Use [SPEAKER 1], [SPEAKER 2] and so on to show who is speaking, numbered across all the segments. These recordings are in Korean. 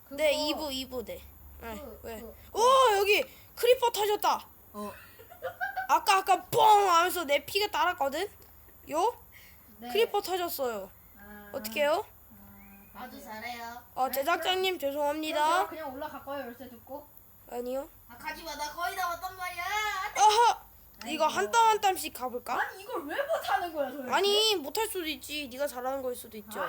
[SPEAKER 1] 네, 2부 네. 네, 왜?
[SPEAKER 2] 그-
[SPEAKER 1] 오, 여기 크리퍼 터졌다.
[SPEAKER 2] 어.
[SPEAKER 1] 아까 뻥 하면서 내 피가 따랐거든. 요?
[SPEAKER 2] 네.
[SPEAKER 1] 크리퍼 터졌어요.
[SPEAKER 2] 아,
[SPEAKER 1] 어떡해요?
[SPEAKER 3] 아주 잘해요.
[SPEAKER 1] 제작자님
[SPEAKER 2] 그럼 제가
[SPEAKER 1] 죄송합니다.
[SPEAKER 2] 그냥 올라갈 거예요. 열쇠 듣고.
[SPEAKER 1] 아니요.
[SPEAKER 3] 아 가지마 나 거의 다 왔단 말이야.
[SPEAKER 1] 아하. 이거
[SPEAKER 2] 아이고.
[SPEAKER 1] 한 땀 한 땀씩 가볼까?
[SPEAKER 2] 아니 이걸 왜 못하는 거야 도대체?
[SPEAKER 1] 아니 못할 수도 있지. 네가 잘하는 거일 수도 있죠.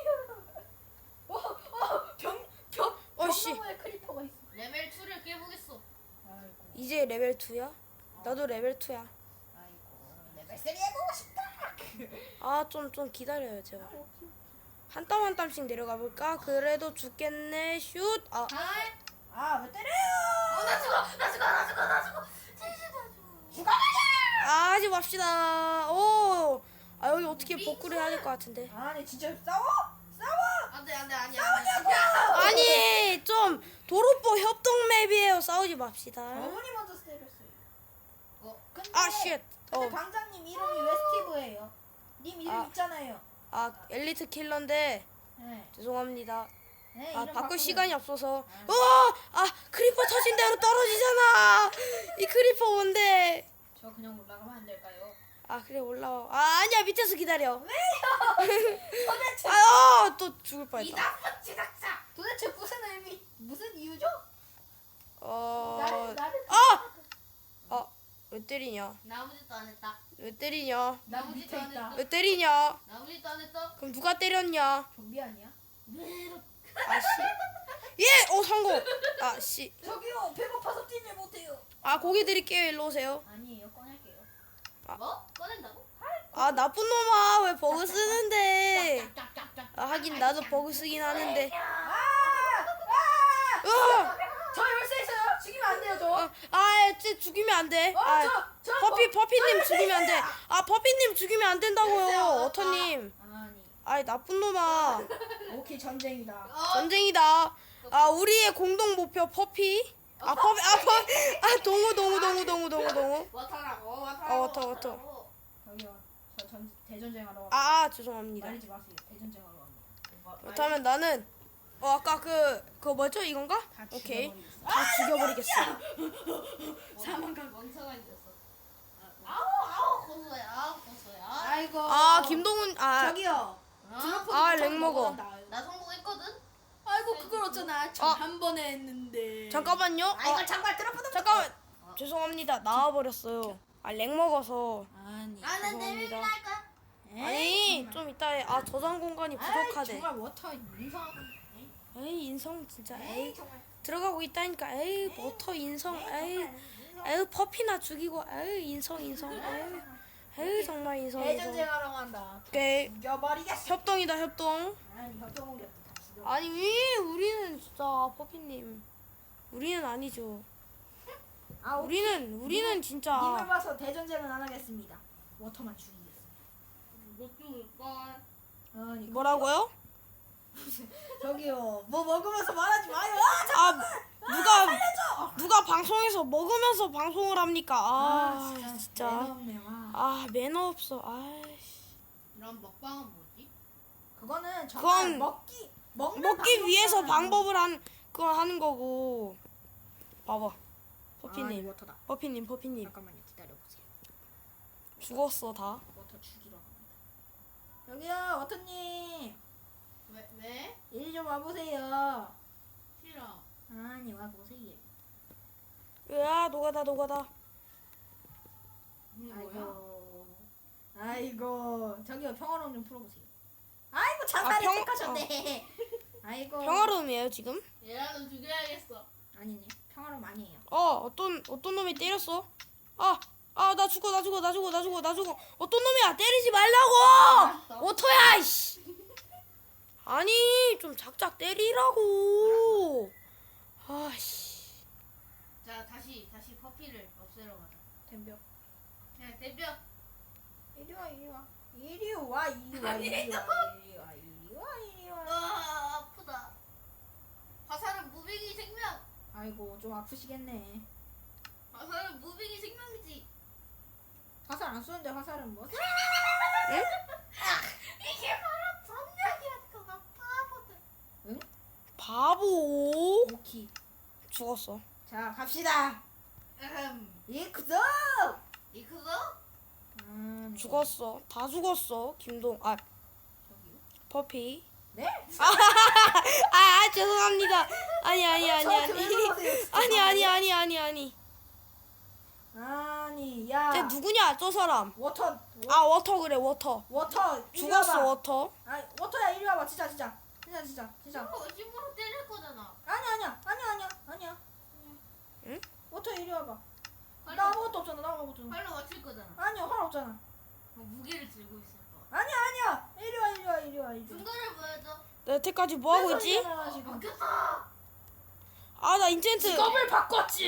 [SPEAKER 1] 씨.
[SPEAKER 2] 경로에 크리퍼가 있어.
[SPEAKER 3] 레벨 2를 깨보겠어.
[SPEAKER 2] 아이고.
[SPEAKER 1] 이제 레벨 2야? 나도 레벨 2야.
[SPEAKER 2] 아이고. 레벨 3 해보고 싶다.
[SPEAKER 1] 좀 기다려요 제발. 한 땀 한 땀씩 내려가 볼까? 그래도 죽겠네. 슛.
[SPEAKER 3] 아,
[SPEAKER 2] 왜 때려요?
[SPEAKER 3] 나 죽어. 진짜 나 죽어.
[SPEAKER 2] 죽어가자.
[SPEAKER 1] 하지 맙시다. 오. 여기 어떻게 복구를 해야 될 것 같은데.
[SPEAKER 2] 아니 진짜 싸워?
[SPEAKER 3] 안돼 아니야.
[SPEAKER 1] 아니 좀 도로포 협동 맵이에요. 싸우지 맙시다.
[SPEAKER 2] 어머니 먼저 때렸어요. 근데
[SPEAKER 1] 쉣.
[SPEAKER 2] 근데 방장님 이름이 왜 스티브예요? 님 이름
[SPEAKER 1] 아.
[SPEAKER 2] 있잖아요.
[SPEAKER 1] 엘리트 킬러인데
[SPEAKER 2] 네.
[SPEAKER 1] 죄송합니다.
[SPEAKER 2] 네
[SPEAKER 1] 바꿀
[SPEAKER 2] 이름 바꾸면-
[SPEAKER 1] 시간이 없어서. 크리퍼 터진 대로 떨어지잖아. 이 크리퍼 뭔데?
[SPEAKER 2] 저 그냥 올라가면 안 될까요?
[SPEAKER 1] 그래 올라와. 아니야 밑에서 기다려.
[SPEAKER 2] 도대체
[SPEAKER 1] 또 죽을
[SPEAKER 3] 이
[SPEAKER 1] 뻔했다.
[SPEAKER 3] 나쁜 제작자.
[SPEAKER 2] 도대체 무슨 의미 무슨 이유죠? 나를
[SPEAKER 1] 왜 때리냐?
[SPEAKER 3] 나 아무 짓도 안 했다.
[SPEAKER 1] 왜 때리냐?
[SPEAKER 3] 나 아무 짓도 안
[SPEAKER 2] 밑에 있다.
[SPEAKER 3] 했다.
[SPEAKER 1] 왜 때리냐?
[SPEAKER 3] 나 아무 짓도 안 했다.
[SPEAKER 1] 그럼 누가 때렸냐?
[SPEAKER 2] 좀비 아니야?
[SPEAKER 1] 성공. 씨.
[SPEAKER 2] 저기요 배고파서 뛰질 못해요.
[SPEAKER 1] 고기 드릴게요. 일로 오세요.
[SPEAKER 2] 아니에요 꺼낼게요.
[SPEAKER 3] 뭐? 꺼낸다고?
[SPEAKER 1] 나쁜 놈아. 왜 버그 쓰는데?
[SPEAKER 3] 짝짝짝짝.
[SPEAKER 1] 하긴 나도 버그 쓰긴 하는데.
[SPEAKER 2] 저 열쇠 있어요. 죽이면 안 돼요 저.
[SPEAKER 1] 쟤 죽이면 안 돼.
[SPEAKER 2] 저
[SPEAKER 1] 퍼피님 죽이면 안 돼. 퍼피님 죽이면 안 된다고요.
[SPEAKER 3] 됐어요.
[SPEAKER 1] 어터님.
[SPEAKER 2] 아니
[SPEAKER 1] 나쁜 놈아.
[SPEAKER 2] 오케이 전쟁이다.
[SPEAKER 1] 전쟁이다. 우리의 공동 목표 퍼피. 동우.
[SPEAKER 3] 워터라고.
[SPEAKER 1] 워터.
[SPEAKER 2] 저기요 저 대전쟁하러 와.
[SPEAKER 1] 죄송합니다.
[SPEAKER 2] 말리지 마세요. 대전쟁하러 갑니다.
[SPEAKER 1] 그렇다면 나는 아까 그거 뭐죠? 이건가?
[SPEAKER 2] 다
[SPEAKER 1] 오케이.
[SPEAKER 2] 죽여버리겠어.
[SPEAKER 1] 다 죽여버리겠어.
[SPEAKER 3] 사망각 멍청한 녀석. 아우 고소해.
[SPEAKER 2] 아이고.
[SPEAKER 1] 김동훈
[SPEAKER 2] 저기요.
[SPEAKER 1] 렉 먹어.
[SPEAKER 3] 나 성공했거든.
[SPEAKER 2] 아이고 그걸 어쩌나 한 번에 했는데.
[SPEAKER 1] 잠깐만요.
[SPEAKER 2] 이거 장발 들어보다.
[SPEAKER 1] 잠깐만. 죄송합니다. 나와버렸어요. 렉 먹어서.
[SPEAKER 2] 아니.
[SPEAKER 3] 나는
[SPEAKER 1] 죄송합니다.
[SPEAKER 3] 내밀 할까?
[SPEAKER 1] 아니 좀 이따 저장 공간이 부족하대.
[SPEAKER 2] 정말 워터 인성.
[SPEAKER 1] 에이 인성 진짜. 에이
[SPEAKER 2] 정말.
[SPEAKER 1] 들어가고 있다니까. 에이 워터 인성. 에이 퍼피나 죽이고. 에이 인성. 에이 정말 인성.
[SPEAKER 2] 대전쟁하러 간다.
[SPEAKER 1] 오케이.
[SPEAKER 2] 죽여버리겠어.
[SPEAKER 1] 협동이다 협동.
[SPEAKER 2] 아니 협동우리 다 죽여.
[SPEAKER 1] 아니 왜 우리는 진짜 퍼피님. 우리는 아니죠. 우리는
[SPEAKER 2] 님을
[SPEAKER 1] 진짜.
[SPEAKER 2] 봐서 대전쟁은 안 하겠습니다. 워터만 죽이겠습니다.
[SPEAKER 3] 못 죽을걸.
[SPEAKER 2] 아니
[SPEAKER 1] 뭐라고요?
[SPEAKER 2] 저기요 뭐 먹으면서 말하지 마요.
[SPEAKER 1] 누가 방송에서 먹으면서 방송을 합니까? 진짜.
[SPEAKER 2] 매너없네, 와.
[SPEAKER 1] 매너 없어. 아이씨.
[SPEAKER 3] 이런 먹방은 뭐지?
[SPEAKER 2] 그거는 정말
[SPEAKER 1] 그건
[SPEAKER 2] 먹기
[SPEAKER 1] 위해서 방법을 하는 거고. 봐봐. 퍼피님.
[SPEAKER 2] 워터다.
[SPEAKER 1] 퍼피님.
[SPEAKER 2] 잠깐만요 기다려보세요.
[SPEAKER 1] 죽었어 다.
[SPEAKER 2] 워터 죽이러 갑니다. 여기요 워터님
[SPEAKER 3] 왜?
[SPEAKER 2] 이리 좀 와보세요.
[SPEAKER 3] 싫어.
[SPEAKER 2] 아니 와보세요.
[SPEAKER 1] 으아 노가다.
[SPEAKER 3] 뭐야?
[SPEAKER 2] 아이고 저기요 평화로움 좀 풀어보세요. 아이고 자살을 택하셨네. 아이고
[SPEAKER 1] 평화로움이에요 지금?
[SPEAKER 3] 얘라도 죽여야겠어.
[SPEAKER 2] 아니네 평화로움 아니에요.
[SPEAKER 1] 어떤 놈이 때렸어? 나 죽어. 어떤 놈이야? 때리지 말라고!
[SPEAKER 3] 알았어.
[SPEAKER 1] 오토야 이씨. 아니 좀 작작 때리라고. 아씨.
[SPEAKER 3] 자 다시 퍼피를 없애러 가자.
[SPEAKER 2] 덤벼.
[SPEAKER 3] 그냥 대뼈.
[SPEAKER 2] 이리 와.
[SPEAKER 3] 아프다. 화살은 무빙이 생명.
[SPEAKER 2] 아이고 좀 아프시겠네.
[SPEAKER 3] 화살은 무빙이 생명이지.
[SPEAKER 2] 화살 안 쏘는데 화살은 뭐?
[SPEAKER 3] 이게 바로 전략이라니까 바보들.
[SPEAKER 1] 바보. 죽었어.
[SPEAKER 2] 자 갑시다. 이크도.
[SPEAKER 3] 이크도?
[SPEAKER 1] 죽었어. 다 죽었어. 김동 아
[SPEAKER 2] 저기요?
[SPEAKER 1] 퍼피.
[SPEAKER 2] 네?
[SPEAKER 1] 죄송합니다. 아니. 아니.
[SPEAKER 2] 야.
[SPEAKER 1] 쟤 누구냐 저 사람.
[SPEAKER 2] 워터.
[SPEAKER 1] 워터 그래 워터.
[SPEAKER 2] 워터. 이리
[SPEAKER 1] 죽었어
[SPEAKER 2] 와봐.
[SPEAKER 1] 워터.
[SPEAKER 2] 아 워터야 이리 와봐. 진짜.
[SPEAKER 3] 힘으로 때릴 거잖아.
[SPEAKER 2] 아니야.
[SPEAKER 1] 응?
[SPEAKER 2] 워터 이리 와봐.
[SPEAKER 3] 빨리,
[SPEAKER 2] 나 아무것도 없잖아.
[SPEAKER 3] 빨리 맞출 거잖아.
[SPEAKER 2] 아니야 활 없잖아.
[SPEAKER 3] 무게를 들고 있을 거.
[SPEAKER 2] 아니야. 이리 와.
[SPEAKER 3] 중간을 보여줘.
[SPEAKER 1] 나 여태까지 뭐 하고 있지?
[SPEAKER 2] 지금.
[SPEAKER 3] 바뀌었어.
[SPEAKER 1] 나 인챈트.
[SPEAKER 2] 직업을 바꿨지.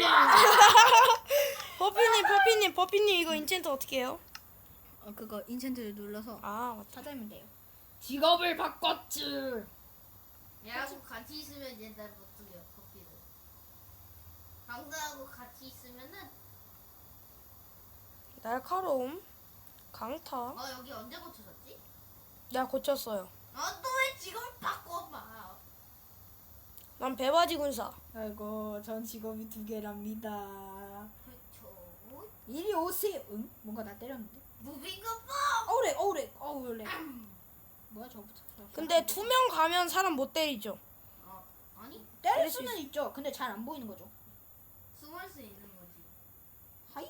[SPEAKER 1] 퍼피님 이거 인챈트 어떻게 해요?
[SPEAKER 2] 그거 인챈트를 눌러서
[SPEAKER 1] 맞다.
[SPEAKER 2] 찾으면 돼요. 직업을 바꿨지.
[SPEAKER 3] 얘하고 같이 있으면 얘는 못 죽여. 커피를. 강사하고 같이 있으면은
[SPEAKER 1] 날카로움, 강타.
[SPEAKER 3] 여기 언제 고쳐졌지?
[SPEAKER 1] 내가 고쳤어요.
[SPEAKER 3] 또 왜 지금 바꿔봐?
[SPEAKER 1] 난 배바지 군사.
[SPEAKER 2] 아이고 전 직업이 2개랍니다.
[SPEAKER 3] 그쵸.
[SPEAKER 2] 이리 오세요. 응? 뭔가 나 때렸는데.
[SPEAKER 3] 무빙가 봐.
[SPEAKER 2] 어우래. 뭐야 저부터.
[SPEAKER 1] 근데 투명 가면 사람 못 때리죠.
[SPEAKER 3] 아니
[SPEAKER 2] 때릴
[SPEAKER 1] 때릴 수
[SPEAKER 2] 수는 있죠. 근데 잘 안 보이는 거죠.
[SPEAKER 3] 숨을 수 있는 거지.
[SPEAKER 2] 하이?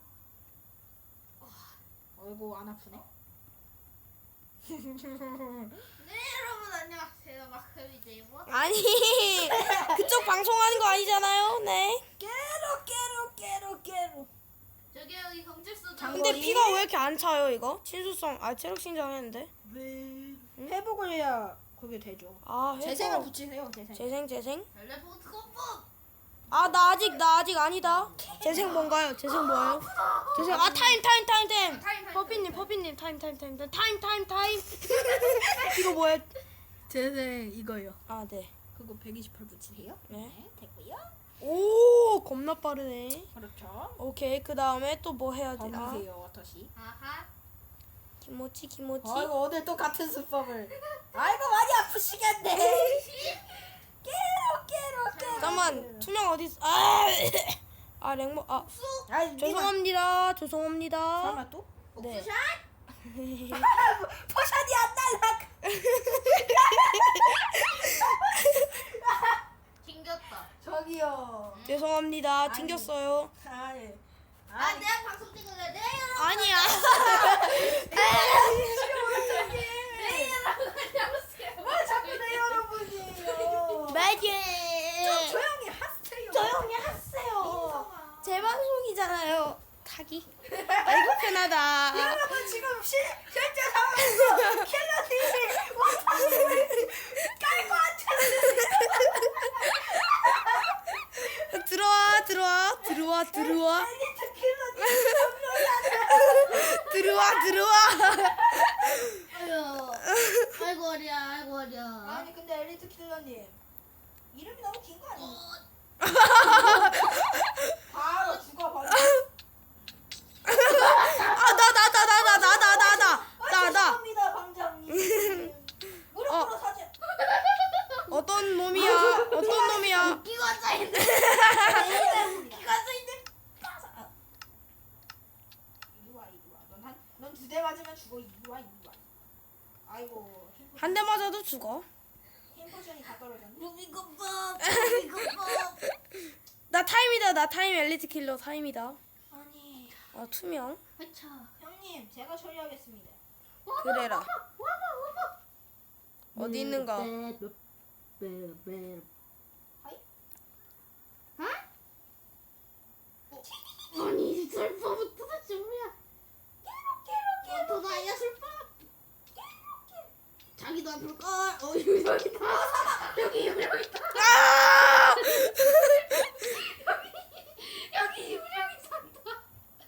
[SPEAKER 2] 어이구 안 아프네.
[SPEAKER 3] 네 여러분 안녕하세요. 마크미제이버.
[SPEAKER 1] 아니 그쪽 방송하는 거 아니잖아요. 네.
[SPEAKER 2] 깨로.
[SPEAKER 3] 저기 여기 경찰서.
[SPEAKER 2] 장군.
[SPEAKER 1] 근데 피가 왜 이렇게 안 차요 이거? 친수성 체력 신장했는데.
[SPEAKER 2] 회복을 해야 그게 되죠.
[SPEAKER 1] 회복.
[SPEAKER 2] 재생을 붙이세요. 재생.
[SPEAKER 1] 재생.
[SPEAKER 3] 텔레포트 컴보.
[SPEAKER 1] 나 아직 아니다. 재생 뭔가요? 재생 뭐예요? 재생 타임. 퍼피님 타임. 이거 뭐예요?
[SPEAKER 2] 재생 이거요.
[SPEAKER 1] 네.
[SPEAKER 2] 그거 128 붙이세요.
[SPEAKER 1] 네.
[SPEAKER 2] 됐고요.
[SPEAKER 1] 오 겁나 빠르네.
[SPEAKER 2] 그렇죠.
[SPEAKER 1] 오케이 그 다음에 또 뭐 해야 되나?
[SPEAKER 2] 범이세요 워터씨.
[SPEAKER 3] 아하.
[SPEAKER 1] 기모치.
[SPEAKER 2] 아이고 오늘 또 같은 수법을. 아이고 많이 아프시겠네. 깨로.
[SPEAKER 1] 잠깐만 투명 어디 있어? 랭모
[SPEAKER 2] 아이
[SPEAKER 1] 죄송합니다.
[SPEAKER 2] 설마 또?
[SPEAKER 1] 네.
[SPEAKER 3] 옥수샷.
[SPEAKER 2] 포션이 안 날라.
[SPEAKER 3] 튕겼다.
[SPEAKER 2] 저기요.
[SPEAKER 1] 죄송합니다.
[SPEAKER 2] 아니.
[SPEAKER 1] 튕겼어요.
[SPEAKER 2] 아니.
[SPEAKER 3] 내가 방송 찍을래. 네 여러분.
[SPEAKER 1] 아니야.
[SPEAKER 2] 왜 자꾸 내 여러분이에요?
[SPEAKER 1] 매지.
[SPEAKER 2] 조용히 하세요.
[SPEAKER 1] 조용히 하세요. 제 방송이잖아요. 타기. 아이고 편하다.
[SPEAKER 2] 여러분 지금 실제 상황에서 킬러님이 원판을 깔고
[SPEAKER 1] 들어와.
[SPEAKER 2] 엘리트 킬러님
[SPEAKER 1] 들어와.
[SPEAKER 3] 아이고 어려.
[SPEAKER 2] 아니 근데 엘리트 킬러님 이름이 너무 긴 거 아니에요? 바로 죽어버려.
[SPEAKER 1] 나.
[SPEAKER 2] 죄송합니다 방장님. 무릎으로 사죄.
[SPEAKER 1] 어떤 놈이야?
[SPEAKER 3] 이거 짜인데.
[SPEAKER 2] 이리 와. 넌 2대 맞으면 죽어. 이리 와. 아이고.
[SPEAKER 1] 한 대 맞아도 죽어.
[SPEAKER 2] 힘 포션이 다 떨어졌네.
[SPEAKER 3] 무빙거법.
[SPEAKER 1] 나 타임이다. 나 타임 엘리트 킬러 타임이다.
[SPEAKER 2] 아니
[SPEAKER 1] 투명.
[SPEAKER 3] 아차.
[SPEAKER 2] 형님 제가 처리하겠습니다.
[SPEAKER 1] 그래라. 어디 있는가?
[SPEAKER 3] 아니 슬퍼부터 대체 뭐야? 또 나야 슬퍼. 자기도 아플 걸. 유령이다. 여기 유령이다. 여기 유령이 산다.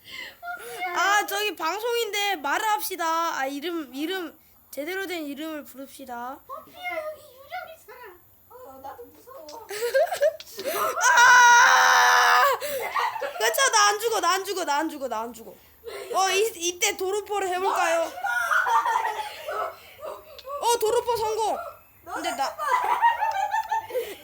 [SPEAKER 1] 저기 방송인데 말을 합시다. 이름 제대로 된 이름을 부릅시다.
[SPEAKER 3] 피야 여기 유령이 살아.
[SPEAKER 2] 나도 무서워.
[SPEAKER 1] 그쵸 나 안 죽어. 이때 도루포를 해볼까요? 도루포 성공. 근데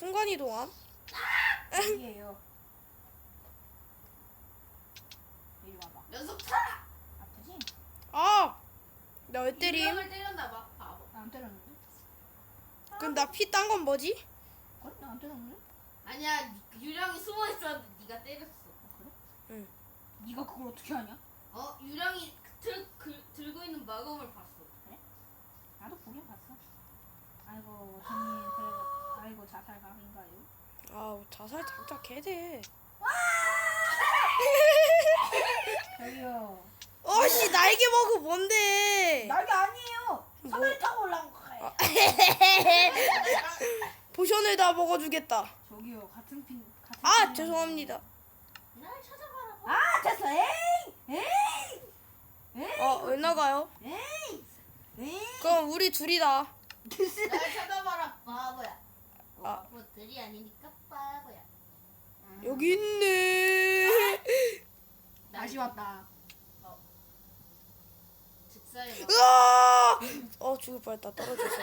[SPEAKER 1] 순간 이동함?
[SPEAKER 2] 여기에요. 이리 와봐.
[SPEAKER 3] 연속 차!
[SPEAKER 2] 아프지?
[SPEAKER 1] 아! 나 왜 때림?
[SPEAKER 3] 유령을 때렸나봐. 바보.
[SPEAKER 2] 나 안 때렸는데?
[SPEAKER 1] 그럼 나 피 딴 건 뭐지?
[SPEAKER 2] 그래? 나 안 때렸는데?
[SPEAKER 3] 아니야, 유령이 숨어 있었는데 네가 때렸어.
[SPEAKER 2] 그래?
[SPEAKER 1] 응.
[SPEAKER 2] 네가 그걸 어떻게 하냐?
[SPEAKER 3] 유령이 들고 있는 마검을 봤어.
[SPEAKER 2] 나도 보긴 봤어. 아이고 저님 그래. 아이고 자살각인가요?
[SPEAKER 1] 아 자살 장작 개대.
[SPEAKER 2] 저기요.
[SPEAKER 1] 어씨 날개 먹어 뭔데?
[SPEAKER 2] 날개 아니에요.
[SPEAKER 1] 뭐?
[SPEAKER 2] 사다리 타고 올라온 거예요.
[SPEAKER 1] 포션을 다 먹어주겠다.
[SPEAKER 2] 저기요 같은 핀 같은.
[SPEAKER 1] 아
[SPEAKER 2] 핀이라고.
[SPEAKER 1] 죄송합니다.
[SPEAKER 3] 날 찾아봐라.
[SPEAKER 2] 아 됐어. 에이.
[SPEAKER 1] 왜 나가요?
[SPEAKER 2] 에이.
[SPEAKER 1] 그럼 우리 둘이다.
[SPEAKER 3] 날 찾아봐라, 바보야.
[SPEAKER 1] 아.
[SPEAKER 3] 바보들이 아니니까 바보야.
[SPEAKER 1] 여기 있네.
[SPEAKER 2] 다시 왔다.
[SPEAKER 3] 즉사에
[SPEAKER 1] 으아! 죽을 뻔했다. 떨어져서.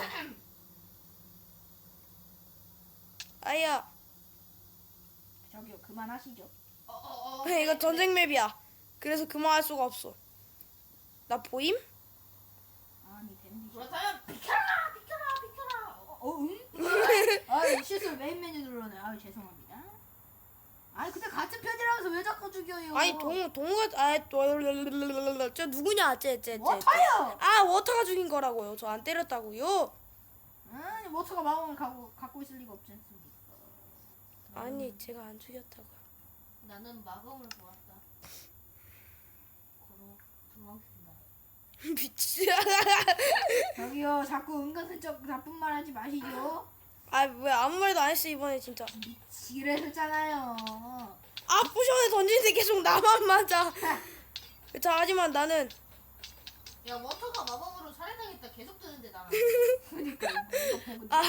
[SPEAKER 1] 아야.
[SPEAKER 2] 저기요 그만하시죠.
[SPEAKER 1] 이거 전쟁 맵이야. 그래서 그만할 수가 없어. 나 보임?
[SPEAKER 2] 아니 댄디.
[SPEAKER 3] 그렇다면 비켜라, 비켜라, 비켜라.
[SPEAKER 2] 응? 아 실수로 메인 메뉴 눌러네. 아 죄송합니다. 아니 근데 같은 편이라면서 왜 자꾸 죽여요?
[SPEAKER 1] 아니 동우가 저 누구냐? 쟤.
[SPEAKER 2] 워터요.
[SPEAKER 1] 아 워터가 죽인 거라고요. 저 안 때렸다고요.
[SPEAKER 2] 아니 워터가 마음을 갖고 있을 리가 없지 않습니까?
[SPEAKER 1] 아니 제가 안 죽였다고요.
[SPEAKER 3] 나는 마검을 보았다. 고로 도망친다.
[SPEAKER 1] 미치.
[SPEAKER 2] 저기요 자꾸 은근슬쩍 나쁜 말 하지 마시죠.
[SPEAKER 1] 아 왜 아무 말도 안 했어 이번에 진짜.
[SPEAKER 2] 지뢰했잖아요.
[SPEAKER 1] 아 포션을 던지는데 계속 나만 맞아. 자 하지만 나는
[SPEAKER 3] 야 워터가 마법으로 살해당했다 계속 뜨는데 나는.
[SPEAKER 2] 그러니까 이거 보고
[SPEAKER 1] 아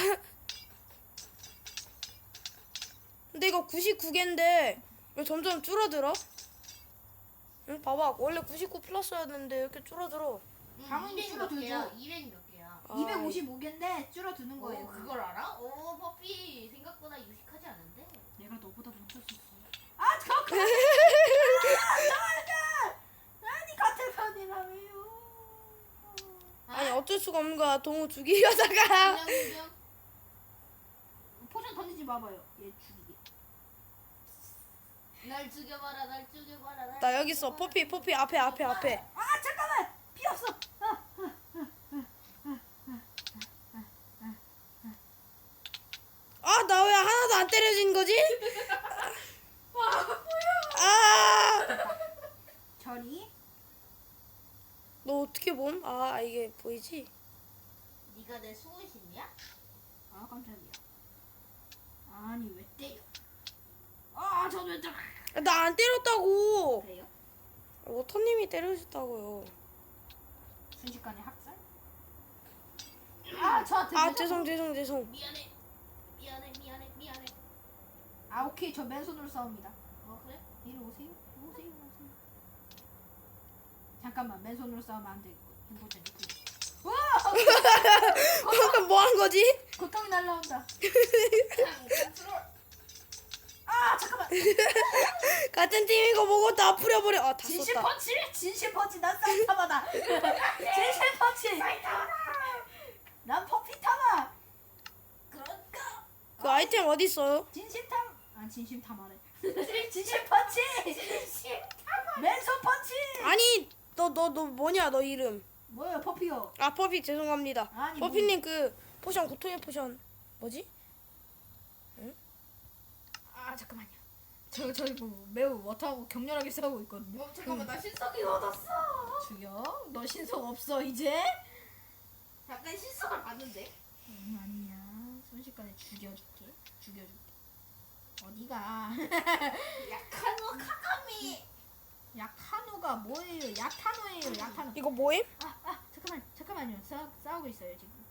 [SPEAKER 1] 근데 이거 99개인데 왜 점점 줄어들어? 응 봐봐 원래 99 플러스였는데 이렇게 줄어들어.
[SPEAKER 2] 당연히
[SPEAKER 3] 200 몇
[SPEAKER 2] 줄어들죠.
[SPEAKER 3] 개야. 200 몇 개야.
[SPEAKER 1] 아,
[SPEAKER 2] 255개인데 줄어드는 거예요.
[SPEAKER 3] 그걸 알아? 오 퍼피 생각보다 유식하지 않은데.
[SPEAKER 2] 내가 너보다 먼저 썼어. 아 잠깐. 아니 같은 편이라며요.
[SPEAKER 1] 아니 어쩔 수가 없는 거야. 동우 죽이려다가.
[SPEAKER 3] 그냥
[SPEAKER 2] 포션 던지지 마봐요. 얘 죽이게.
[SPEAKER 3] 날 죽여봐라 날 죽여봐라 날
[SPEAKER 1] 나 여기 있어. 퍼피 앞에.
[SPEAKER 2] 아 잠깐만. 피 없어.
[SPEAKER 1] 아 나 왜 하나도 안 때려진 거지? 아.
[SPEAKER 2] 저리.
[SPEAKER 1] 너 어떻게 봄? 아 이게 보이지?
[SPEAKER 3] 네가 내 수호신이야?
[SPEAKER 2] 아 깜짝이야. 아니 왜 때려? 아 저도 왜 때려?
[SPEAKER 1] 나 안 때렸다고.
[SPEAKER 2] 그래요?
[SPEAKER 1] 워터님이 때려줬다고요.
[SPEAKER 2] 순식간에 학살? 아 저한테
[SPEAKER 1] 아
[SPEAKER 2] 왜
[SPEAKER 1] 죄송.
[SPEAKER 3] 미안해 미안해.
[SPEAKER 2] 아 오케이 저 맨손으로 싸웁니다.
[SPEAKER 3] 어 그래?
[SPEAKER 2] 이리 오세요. 오세요. 잠깐만 맨손으로 싸우면 안 되겠고 행복전 이쁘. 와
[SPEAKER 1] 방금 뭐 한 거지?
[SPEAKER 2] 고통이 날라온다.
[SPEAKER 3] 컨트롤.
[SPEAKER 2] 아 잠깐만.
[SPEAKER 1] 같은 팀인 거 보고 다 풀어버려. 아다
[SPEAKER 2] 진실
[SPEAKER 1] 썼다.
[SPEAKER 2] 펀치. 진실 펀치 난 사이타마다. 진실 펀치. 난 퍼피타마.
[SPEAKER 3] 그런가?
[SPEAKER 1] 그 아이템 어디 있어요?
[SPEAKER 2] 진심탐. 아 진심타마래. 진실 펀치. 맨손 펀치.
[SPEAKER 1] 아니 너 뭐냐 너 이름?
[SPEAKER 2] 뭐예요 퍼피요?
[SPEAKER 1] 아 퍼피 죄송합니다.
[SPEAKER 2] 아니,
[SPEAKER 1] 퍼피님 그 포션 고통의 포션 뭐지?
[SPEAKER 2] 아 잠깐만요. 저희 뭐 매우 워터하고 격렬하게 싸우고 있거든요.
[SPEAKER 3] 잠깐만 나 신석이 얻었어.
[SPEAKER 2] 죽여. 너 신속 없어 이제?
[SPEAKER 3] 잠깐 신석을 봤는데.
[SPEAKER 2] 아니야. 순식간에 죽여줄게. 어디가?
[SPEAKER 3] 약한 카카미.
[SPEAKER 2] 약타노가 뭐예요? 약타노예요. 약타노.
[SPEAKER 1] 이거 뭐임?
[SPEAKER 2] 잠깐만요. 싸우고 있어요 지금.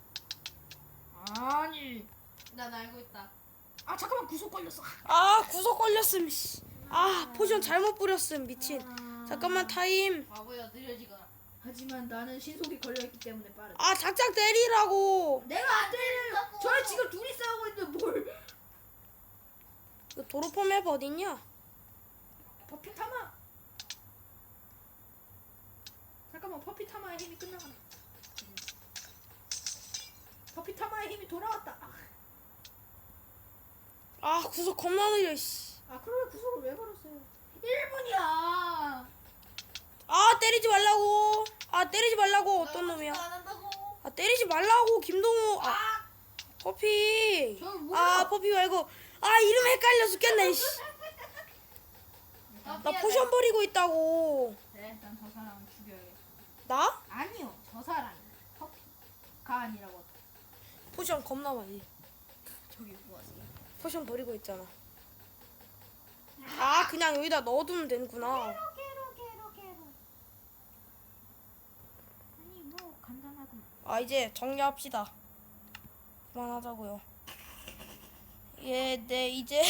[SPEAKER 2] 아니.
[SPEAKER 3] 난 알고 있다.
[SPEAKER 2] 아 잠깐만 구속 걸렸어.
[SPEAKER 1] 아 구석 걸렸음. 씨. 아 포션 잘못 뿌렸음 미친. 잠깐만 타임.
[SPEAKER 3] 바보야 느려지거라.
[SPEAKER 2] 하지만 나는 신속이 걸려있기 때문에 빠르다.
[SPEAKER 1] 아 작작 때리라고.
[SPEAKER 2] 내가 안 때려. 저희 지금 둘이 싸우고 있는데 뭘?
[SPEAKER 1] 그 도로포 맵 어딨냐?
[SPEAKER 2] 퍼피타마. 잠깐만 퍼피타마의 힘이 끝나간다. 퍼피타마의 힘이 돌아왔다.
[SPEAKER 1] 아 구석 겁나 느려. 씨.
[SPEAKER 2] 아 그러면 구속을 왜 걸었어요? 1분이야.
[SPEAKER 1] 아 때리지 말라고. 아 때리지 말라고. 어떤 놈이야?
[SPEAKER 3] 안 한다고.
[SPEAKER 1] 아 때리지 말라고 김동호. 아 퍼피.
[SPEAKER 2] 저 뭐야?
[SPEAKER 1] 아 퍼피 말고. 아 이름 헷갈려 죽겠네. 씨. 나 포션 버리고 있다고.
[SPEAKER 2] 그래 일단 저 사람을 죽여야겠다.
[SPEAKER 1] 나?
[SPEAKER 2] 아니요 저 사람이 퍼피가 아니라고.
[SPEAKER 1] 포션 겁나 많이.
[SPEAKER 2] 저기 뭐하세요?
[SPEAKER 1] 포션 버리고 있잖아. 아 그냥 여기다 넣어두면 되는구나.
[SPEAKER 2] 게로. 아니 뭐 간단하구만.
[SPEAKER 1] 아 이제 정리합시다. 그만하자고요. 예, 네 이제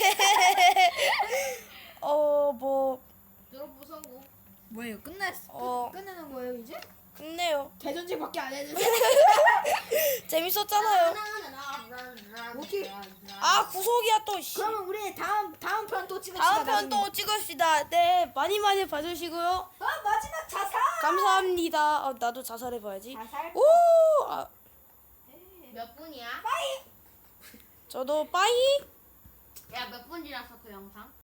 [SPEAKER 1] 뭐
[SPEAKER 3] 드롭 성공.
[SPEAKER 2] 뭐예요?
[SPEAKER 1] 어.
[SPEAKER 2] 끝내는 거예요 이제?
[SPEAKER 1] 끝내요.
[SPEAKER 2] 대전지밖에 안 했는데.
[SPEAKER 1] 재밌었잖아요.
[SPEAKER 2] 오케이.
[SPEAKER 1] 아 구속이야 또. 씨.
[SPEAKER 2] 그러면 우리 다음 편 또 찍읍시다.
[SPEAKER 1] 다음 편
[SPEAKER 2] 나중에.
[SPEAKER 1] 또 찍읍시다. 네 많이 봐주시고요.
[SPEAKER 2] 마지막 자살.
[SPEAKER 1] 감사합니다. 나도 자살해봐야지.
[SPEAKER 2] 자살.
[SPEAKER 1] 오, 아,
[SPEAKER 3] 몇 분이야?
[SPEAKER 1] 저도 빠이.
[SPEAKER 3] 야 몇 분이라서 그 영상?